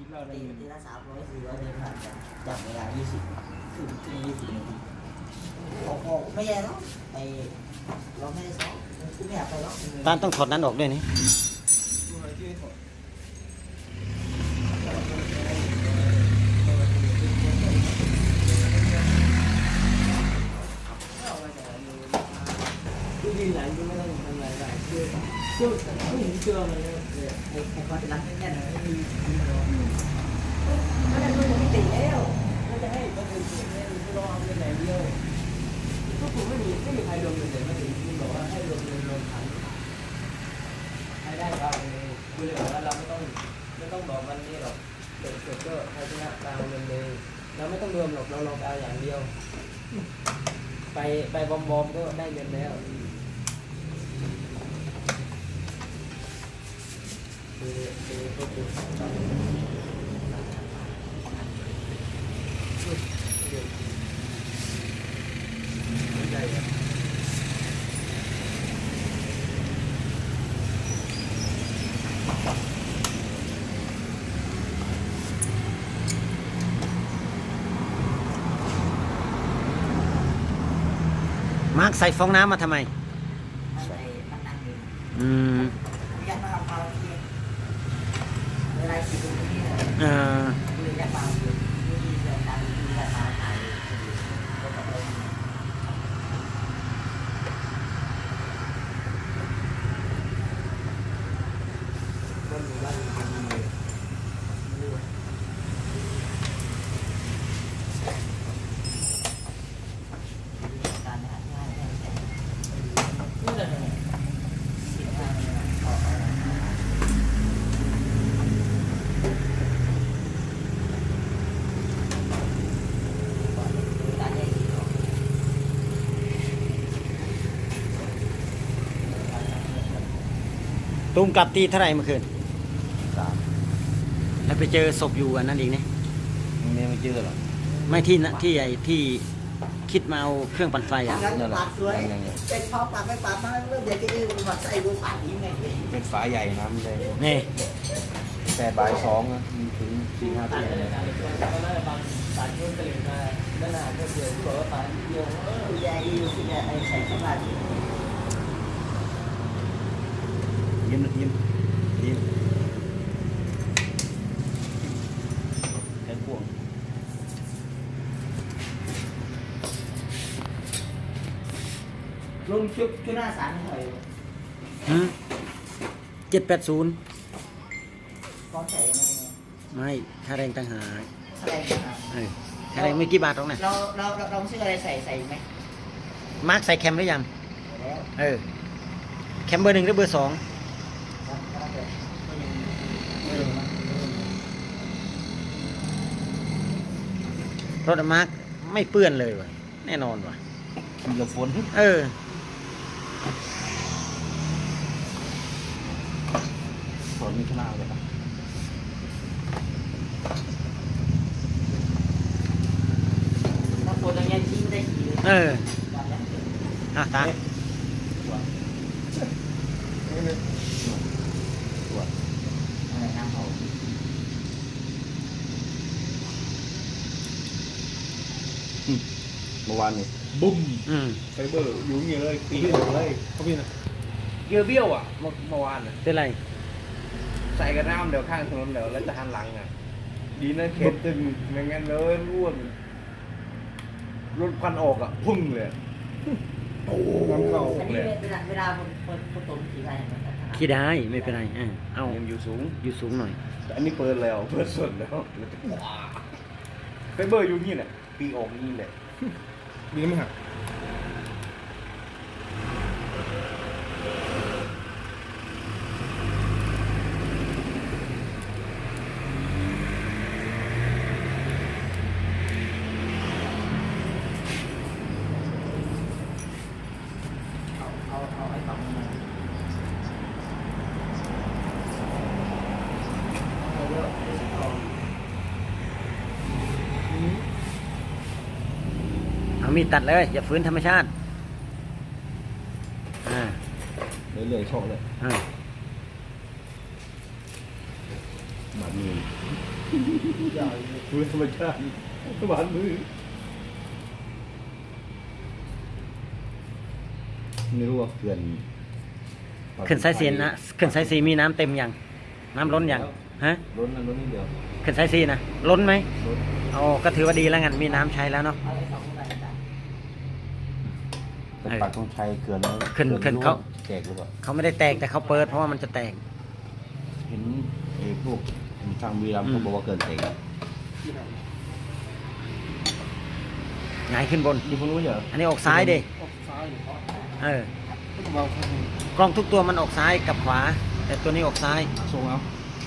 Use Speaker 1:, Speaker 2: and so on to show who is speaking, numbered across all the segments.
Speaker 1: ทีละ300 400เดินผ่านกันจับเวลา20ถึง20 นาทีออกไม่แย่เนาะไอเราไม่ได้ซ้อมคือไม่อยากไปหรอก
Speaker 2: ตานต้องถอดนั้นออกด้วยนี่
Speaker 1: ยืนหลังก็ไม่ต้องทำอะไรเชื่อผู้หญิงเชื่อมันเลยไอ้ความรักแน่นๆไม่มีก็ได้ด้วยไม่ติดแล้วก็จะให้ก็คือรอเอาเงินไหนเดียวก็ผมไม่มีใครรวมเงินแต่ไม่ถึงที่บอกว่าให้รวมเงินรวมขันให้ได้ก็เลยคือเลยบอกว่าเราไม่ต้องบอกวันนี้หรอกเสร็จก็ใครชนะตามเงินเลยเราไม่ต้องรวมหรอกเราลองเอาอย่างเดียวไปบอมก็ได้เงินแล้ว
Speaker 2: มาร์คใส่ฟองน้ำมาทำไมอืมเออตุ้มกลับตีเท่าไหร่เมื่อคืน
Speaker 3: 3
Speaker 2: แล้วไปเจอศพอยู่อันนั้นอีกเนี่ย
Speaker 3: ไม่เจอหรอก
Speaker 2: ไม่ที่นะที่ไอ้ที่คิดมาเอาเครื่องปั่นไฟอ่ะ
Speaker 1: นั่นแหละเป็นพอปากไม่ปากมาเริ่มเดี๋ยวจะมาใส่บูปากนี้ไง
Speaker 3: เป็นฝาใหญ่น้ำเลย
Speaker 2: นี่
Speaker 3: แต่บ่าย2นะถึง4-5 ปีเลย
Speaker 1: ปากนู้นตื่นมาด้านหน้าก็เดี๋ยวบอกว่าปากเดียวใหญ่อยู่ที่เนี่ยไอ้ใส่เข้ามา
Speaker 3: ยิ้มแค่พวง
Speaker 1: ลงชุดหน้าศาลหน่อย
Speaker 2: 780
Speaker 1: ก้อนใส่ยังไง
Speaker 2: ไม่ค่าแรงต่างหาก
Speaker 1: แสดงมา
Speaker 2: ค่าแรงไม่กี่บาทหรอกนะ
Speaker 1: เราซื้ออะไรใส่ไหม
Speaker 2: มาร์คใส่แคมหรือยัง
Speaker 1: แล้ว
Speaker 2: แคมเบอร์ 1หรือเบอร์ 2รถมาร์คไม่เปื้อนเลยว่ะแน่นอนว่ะ
Speaker 3: ขี่กับฝน ฝนมีข้างหน้าเลยนะ
Speaker 1: ถ้าคนอย่างเงี้ยทิ้งได้กี่เลย
Speaker 2: ตา
Speaker 1: อะไรน้ำหอม
Speaker 3: เมื่อวานนี่บุ้ม
Speaker 4: ไฟเบอร์อยู่อย่างเงี้ยเลยตีเลยเขาพี่นะเกียร์เบี้ยวอ่ะเมื่อวานอ่ะ
Speaker 2: เป็นไร
Speaker 4: ใส่กระน้ำเดี๋ยวข้างถนนเดี๋ยวแล้วจะหันหลังอ่ะดีนะเข็นตึงไม่งั้นเลยร่วนรถควันออกอ่ะพุ่งเลยโอ้น้ำเข้า
Speaker 1: อัน
Speaker 4: เล
Speaker 1: นี้
Speaker 4: ย
Speaker 1: เวลาคนต้มขี่ได้ไหม
Speaker 2: ขี่ได้ไม่เป็นไรเอา
Speaker 4: ยังอยู่สูง
Speaker 2: อยู่สูงหน่อย
Speaker 4: แต่อันนี้เปิดแล้วเปิดสดแล้วแล้วจะว้าไฟเบอร์อยู่นี่แหละปีออกนี่แหละดีไหมฮะ
Speaker 1: เอาไอ้ฝั่งมาเอาเยอะเอา
Speaker 2: เอามีดตัดเลยอย่าฝืนธรรมชาติ
Speaker 3: เรื่อยๆชอบเลย
Speaker 2: อ่า
Speaker 3: แบบนี้นี่
Speaker 4: มือธรรมชาติหวานมือไม่รู้ว่าเขื่อน
Speaker 2: ขึ้นสายสีนะขึ้นสายสีมีน้ำเต็มยังน้ำล้นยังฮะ
Speaker 3: ล้นนั่นล้นนิดเดียว
Speaker 2: ขึ้นสายสีนะล้นไหม
Speaker 3: ล้น
Speaker 2: โอ้ก็ถือว่าดีแล้วงั้นมีน้ำใช้แล้วเนาะ
Speaker 1: เอาไอ้สองใบจ้ะ
Speaker 3: แต่ปักตรงชัยเขื่อนแล้ว
Speaker 2: ขึ้น
Speaker 3: ขื่อ
Speaker 2: เขา
Speaker 3: แตกหรือเปล่า
Speaker 2: เขาไม่ได้แตกแต่เขาเปิดเพราะว่ามันจะแตก
Speaker 3: เห็นไอ้พวกทางวีรัมย์เขาบอกว่าเกินแตกอะ
Speaker 1: ที่ไหน
Speaker 2: หงายขึ้นบน
Speaker 3: ที่คุณรู้เหรอ
Speaker 2: อันนี้ออกซ้ายดิ
Speaker 1: ออกซ้ายหรือออกขวา
Speaker 2: เออ
Speaker 1: ไม่ต้องมองข้างบน
Speaker 2: กล้องทุกตัวมันออกซ้ายกับขวา แต่ตัวนี้ออกซ้าย
Speaker 3: ส่งเอา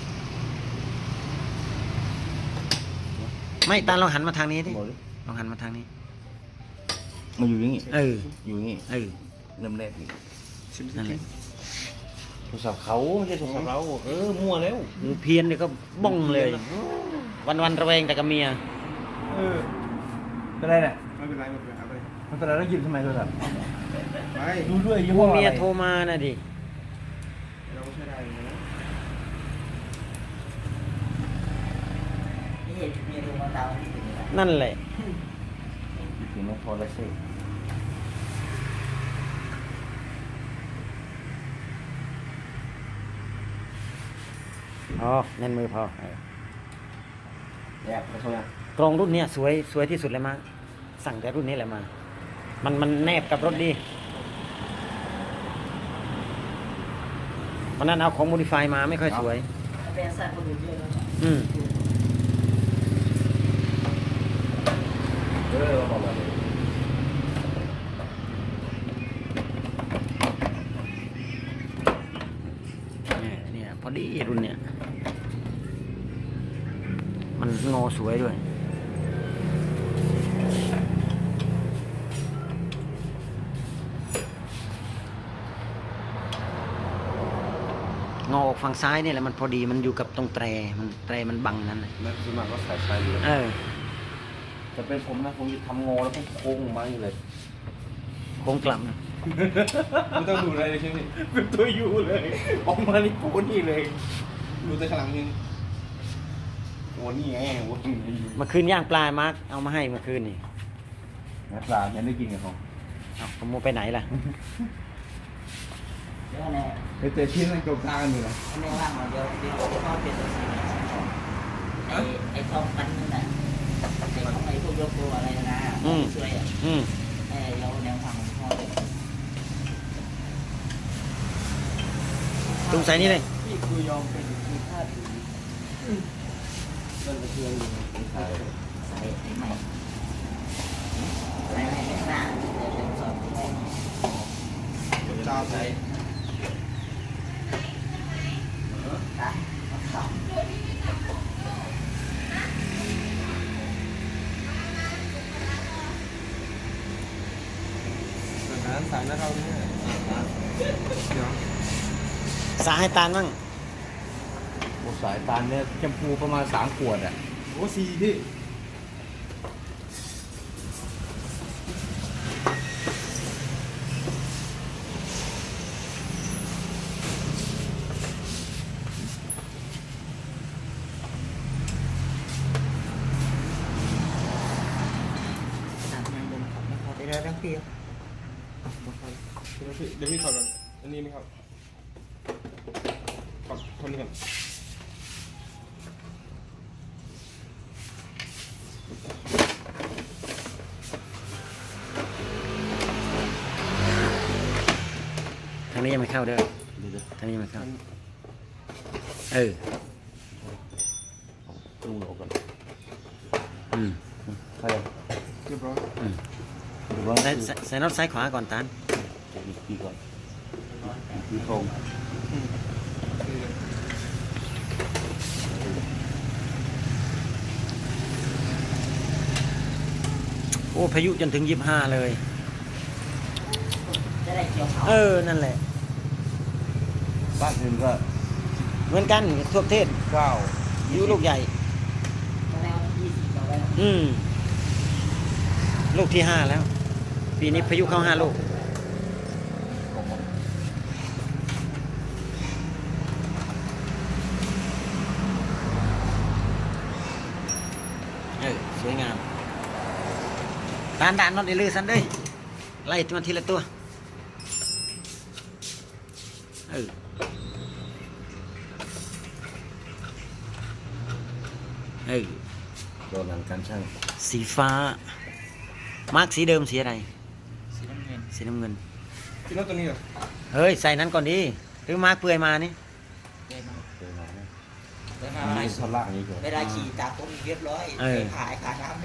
Speaker 2: ไม่ตาลองหันมาทางนี้ดิ
Speaker 3: บอกดิ
Speaker 2: ลองหันมาทางนี้
Speaker 3: มาอยู่อย่างงี้
Speaker 2: เออ
Speaker 3: อยู่อย่างงี้
Speaker 2: เออ
Speaker 3: เริ่มแรกนี่
Speaker 2: นั่นแหละ
Speaker 3: โทรศัพท์เขาไม่ใช่โทรศัพท์เรามั่วแล้ว
Speaker 2: งูเพี้ยนนี่ก็บ้องเลย วันๆระแวงแต่กับเมีย
Speaker 3: เป็นไรเนี่ย
Speaker 4: ไม่เป็นไรไม่เป็นไรไม่เป็นไร
Speaker 3: ไม่เป็นไรแล้วหยิบทำไมโทรศัพท์
Speaker 4: ไป
Speaker 3: ดูด้วยยี่
Speaker 2: พ
Speaker 3: ห้
Speaker 2: ว
Speaker 3: อก อะไร
Speaker 2: เมียโทรมานะดิ
Speaker 4: เราก็ใช้ได้อยู่นะ
Speaker 1: นี่มีดวงดาวที่ถึงอะไร
Speaker 2: นั่นแหละ
Speaker 3: ถึงไม่พอแล้วสิ
Speaker 2: อ๋อแน่นมือพอเออ
Speaker 3: แอบไปโทรยัง
Speaker 2: กรองรุ่นเนี้ยสวยที่สุดเลยมาสั่งแต่รุ่นนี้แหละมา มันแนบกับรถดีวันนั้นเอาของโมดิฟายมาไม่ค่อยสวย
Speaker 1: เป็นสัตว์คนอื่นเยอะแล้วจ้ะ
Speaker 2: อืม
Speaker 3: บอกมาเลย
Speaker 2: เนี่ยพอดีรุ่นเนี้ยมันงอสวยด้วย งอออกฝั่งซ้ายนี่แหละมันพอดีมันอยู่กับตรงแตรมันบังนั่นเลย
Speaker 3: นั่นคือมันก็สายไฟอยู่แล้ว
Speaker 2: เออ
Speaker 3: จะเป็นผมนะผมจะทำงอแล้วก็โค้งมาอยู่เลย
Speaker 2: โค้งกลับนะ
Speaker 4: ไม่ต้องดูอะไรเลยใช่ไหมเป็นตัวยูเลยออกมานี่โผล่นี่เลยดูแต่ข้างหลังนึงโอ้นี่ไงโอ้ย
Speaker 2: เมื่อคืนย่างปลามาร์กเอามาให้เมื่อคืนนี่
Speaker 3: นักปลายังได้กินกับเขา
Speaker 2: เอาขโมยไปไหนล่ะ
Speaker 1: เดี๋ยวแน่
Speaker 4: ไปเจอชิ้นนั่นกลางอยู่นะ
Speaker 1: อันนี้ว่างมาเดี๋ยวเขาเป็นตัวสีไอ้ทองปันนั่นแหละไอ้ของไอ้พวกยกตัวอะไรนะช่วยอ่ะ
Speaker 2: อืม
Speaker 1: ไอ้เราแนวทางของพ่อเลย
Speaker 2: ตรงสายนี้เลย
Speaker 1: พี่คือยอมเป็นคือท่าถือมันจะเชื่ออยู่ใส่ใส่ไอ้ใหม่ใส่ไม่เป็นหน้าเดี๋ยวเป็นสอบที่ให้
Speaker 4: จ้าใส่
Speaker 1: ตัดสอบ
Speaker 4: สารนะเราเนี่ยเดี๋ยว
Speaker 2: สาให้ตาลบ้าง
Speaker 3: โอ้สายตาลเนี่ยแชมพูประมาณ3 ขวดอ่ะ
Speaker 4: โอ้ซีพี่
Speaker 1: ตัดยังบนขับไม่พอไปเรื่อยๆพี่
Speaker 4: เดี๋ยวพี่ถอดก่อนอันนี้นะครับถอดคนนี้ก่อน
Speaker 2: ทางนี้ยังไม่เข้าเด้อ
Speaker 3: เดี๋ยว
Speaker 2: ทางนี้ยังไม่เข้า เออ
Speaker 3: ๆตู้ออกก่อน
Speaker 2: อืม
Speaker 3: ใครอ่ะ
Speaker 4: เรียบร้อย
Speaker 3: เดี๋ยวว่า
Speaker 2: ใส่น็อตซ้ายขวาก่อนตาล
Speaker 3: จะอีกทีก่อนอีกทีตรง
Speaker 2: โอ้พายุจนถึง25เลย
Speaker 1: จะได้เกี่ยวเขา
Speaker 2: เออ นั่นแหละ
Speaker 3: บ้านอื่นก็
Speaker 2: เหมือนกันทั่วประเทศ
Speaker 3: 9
Speaker 2: พายุลูกใหญ่
Speaker 1: แล้ว20ต่อไป
Speaker 2: อืม ลูกที่ 5 แล้ว ปีนี้พายุเข้า5 ลูก
Speaker 3: เ
Speaker 2: สวยงามด่านน็อตไอ้ลือสันเด้ยไล่มันทีละตัว
Speaker 3: โดนหลังการช่าง
Speaker 2: สีฟ้ามาร์กสีเดิมสีอะไร
Speaker 1: สีน้ำเงิน
Speaker 2: สีน้ำเงิน
Speaker 4: กินแล้วตัวนี้เหรอ
Speaker 2: เฮ้ยใส่นั้นก่อนดิหรือมาร์กเปลือยมานี่
Speaker 1: ได้มา
Speaker 3: เจอมาไหม
Speaker 1: ได้มา
Speaker 3: อันนี้ท่อนล่างนี้ก่อน
Speaker 1: เวลาขี่ตากต้นเรียบร้อยขายขาน้ำนี่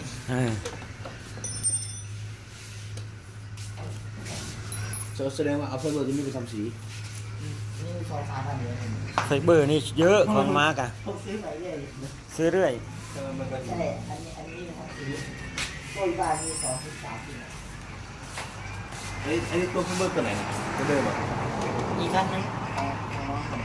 Speaker 3: แสดงว่าเอาไฟเบอร์ที่นี่ไปทำสี
Speaker 1: นี่มี2 3 0 0 0 เลย
Speaker 2: ไฟเบอร์นี่เยอะของมาร์กอะ
Speaker 1: ผมซื้อไปเลย
Speaker 2: ซื้อเรื่อย
Speaker 4: มันก็
Speaker 1: ใช่อันนี้นะครับซื้อต้นบานมี2 3 4
Speaker 3: อันนี้ตัวไฟเบอร์ตัวไหนนะตัวเดิมอ่ะ
Speaker 1: อีกคันนึงของน้องผม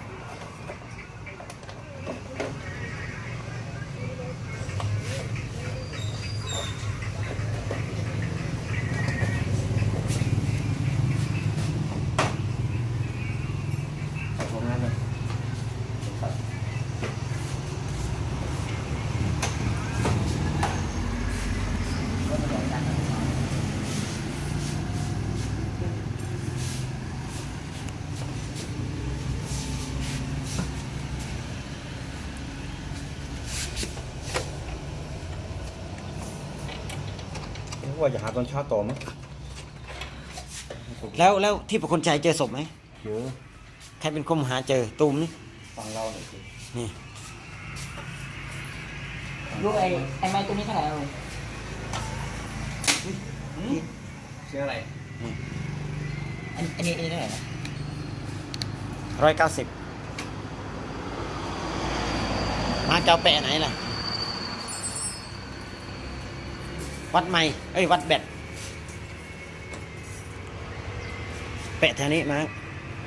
Speaker 3: ของนั้นนะ
Speaker 1: ก็มาบอกกัน
Speaker 3: ว่าจะหาตอนเช้าต่อมั้ง
Speaker 2: แล้วที่ประคนใจเจอศพไหม
Speaker 3: เจอ
Speaker 2: ใครเป็นคนหาเจอตูมนี่
Speaker 3: ฟังเราหน่อยสิ
Speaker 2: นี่
Speaker 1: ลูกไอ้ไม้ตัวนี้เท่าไหร่ลุง
Speaker 4: เสียงอะไร
Speaker 1: อันนี้เท่าไหร่นะ
Speaker 2: 190มาร์กจะเอาแปะไหนล่ะวัดไม่วัดแบตแปะแถวนี้มาร์ก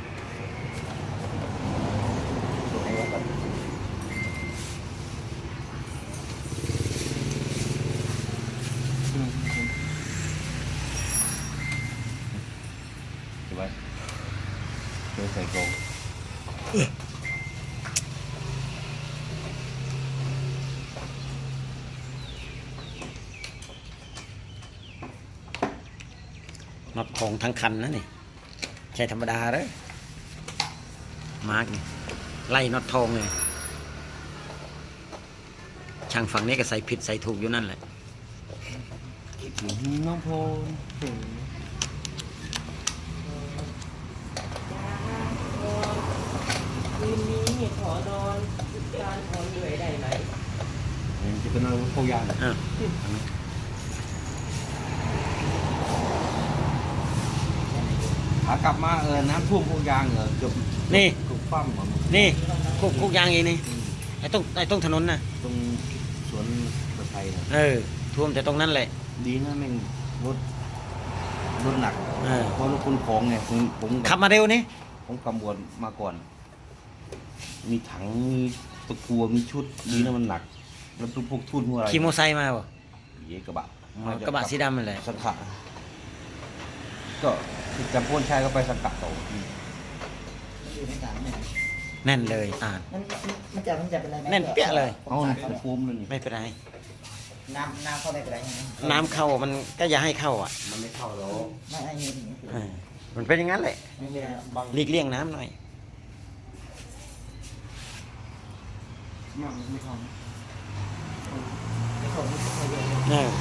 Speaker 3: ใช่ไหมเจอใส่กรง
Speaker 2: น็อตของทั้งคันนะนี่ใช่ธรรมดาเลยมาร์กนี่ไล่น็อตทองเลยช่างฝั่งนี้ก็ใส่ผิดใส่ถูกอยู่นั่นแหละ
Speaker 3: น้องโพน
Speaker 1: คืนนี้ขอนอนการขอเหนื่อยได้ไหม
Speaker 3: จะเป็นอะไรพวกยาง
Speaker 2: อ่ะ
Speaker 3: ขากลับมาน้ำท่วมพวกยางเกือบ
Speaker 2: นี่
Speaker 3: เกือบคว่ำหมด
Speaker 2: นี่คุกยางเองนี่ไอ้ตรงถนนน่ะ
Speaker 3: ตรงสวนกระไทยนะ
Speaker 2: ท่วมแต่ตรงนั้นแหละ
Speaker 3: ดีนะแม่งรถหนัก
Speaker 2: เ
Speaker 3: เพราะรถคุณของไงผม
Speaker 2: ขับมาเร็วนี่
Speaker 3: ผมกำบวนมาก่อน มีถังมีตะกัวมีชุดดีนะมันหนัก แล้วพวกทุ่นพวกอะไร
Speaker 2: ขี่มอไซค์มาบ่
Speaker 3: เยกระบะ
Speaker 2: กระบะสีดำนั่นแหละ
Speaker 3: สังขะก็จำพ้นชายก็ไปสังขะต่อ
Speaker 1: มันอยู่ในสามเนี่ย
Speaker 2: แน่นเลย
Speaker 1: มันจะเป็นอะไรไหม
Speaker 2: แน่นเปี้ยเลย
Speaker 3: เอาเป็นภูมิเลยนี่
Speaker 2: ไม่เป็นไร
Speaker 1: น้ำเข้าไม่เป็นไรใช่ไหม
Speaker 2: น้ำเข้ามันก็อย่าให้เข้าอ่ะ
Speaker 3: มันไม่เข้าหรอก
Speaker 1: ไม่ไอ้นี่
Speaker 2: มันเป็นอย่างนั้นแหละ
Speaker 1: ไม่เป็นไร
Speaker 2: หลีกเลี่ยงน้ำหน่อย
Speaker 1: ไม่เข้าไม่เข้าเยอะ
Speaker 2: เออ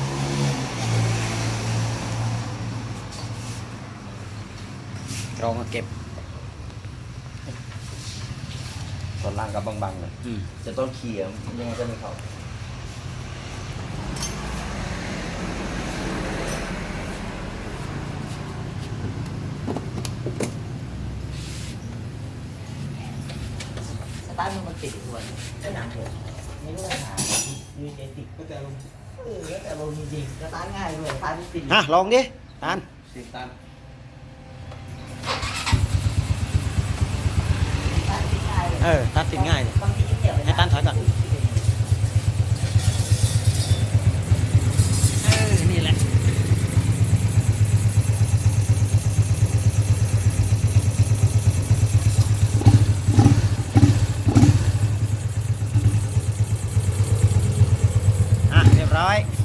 Speaker 2: เรามาเก็บ
Speaker 3: ตอนล่างกับบางๆเลยจะต้นเขี่ยยังไงก็ไม่เข้า
Speaker 1: สตาร์ทมันติดส่วนไอ้หนังเถอะไม่รู้ปัญหามีเจติดก็แต่ลมแต่ลมจริงๆสตาร์ทง่ายเลยสตาร์ทติด
Speaker 2: ลองดิตาน
Speaker 3: สิบตัน
Speaker 2: ตัดติดง่ายเลย
Speaker 1: บางทีเกี่ยว
Speaker 2: ให้ตานถอยก่อนนี่แหละ 500